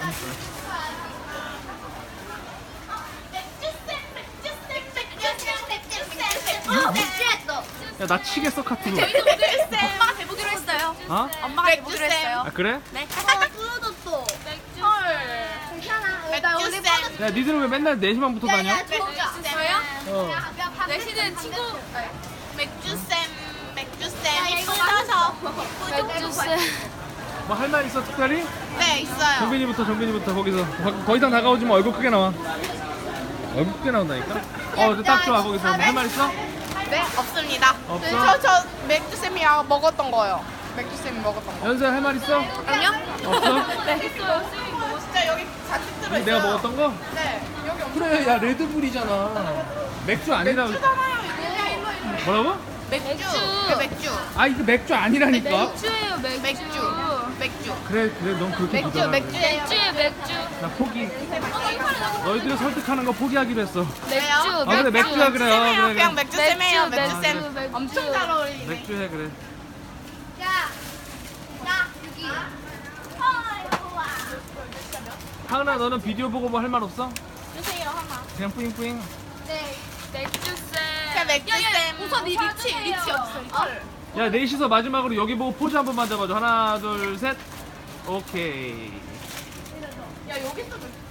야, 나 치겠어, 카트로. 엄마가 대보기로 했어요. 어? 엄마가 대보기로 했어요. 아, 그래? 네. 끊어졌어. 괜찮아. 나 오늘 야, 니들은 왜 맨날 4시만 붙어 다녀? 저요? 어. 내시는 친구 맥주쌤 뜯어서 뭐 할 말 있어, 특별히? 네 있어요. 정빈이부터 거기서. 더 이상 다가오지 마. 얼굴 크게 나와. 얼굴 크게 나온다니까? 딱 좋아, 거기서. 뭐 할 말 있어? 네 없습니다. 없어? 저 맥주쌤이랑 먹었던 거요. 맥주쌤이 먹었던 거. 연세 할 말 있어? 아니요? 없어? 네. 진짜 여기 잔뜩 들어있어요. 내가 먹었던 거? 네 여기 엄청 그래, 야, 레드불이잖아. 맥주 아니라. 많아요. 이거. 뭐라고? 맥주. 그 맥주. 아, 이거 맥주 아니라니까? 맥주예요, 맥주. 맥주. 그래, 넌 그렇게 믿어. 맥주예요. 맥주예요, 맥주. 나 포기. 너희들을 설득하는 거 포기하기로 했어. 맥주. 아, 그래, 맥주야, 그래. 쌤이에요. 그래, 그냥 그래. 맥주쌤이에요. 맥주, 맥주쌤. 맥주. 엄청 잘 어울리네. 맥주 해, 그래. 여기. 하은아, 너는 비디오 보고 뭐 할 말 없어? 주세요 하나. 그냥 뿌잉뿌잉. 네. 맥주쌤. 그냥 맥주쌤. 우선 이 리치 없어. 야, 넷이서 마지막으로 여기 보고 포즈 한 번만 잡아줘. 하나, 둘, 셋. 오케이. 야 여기서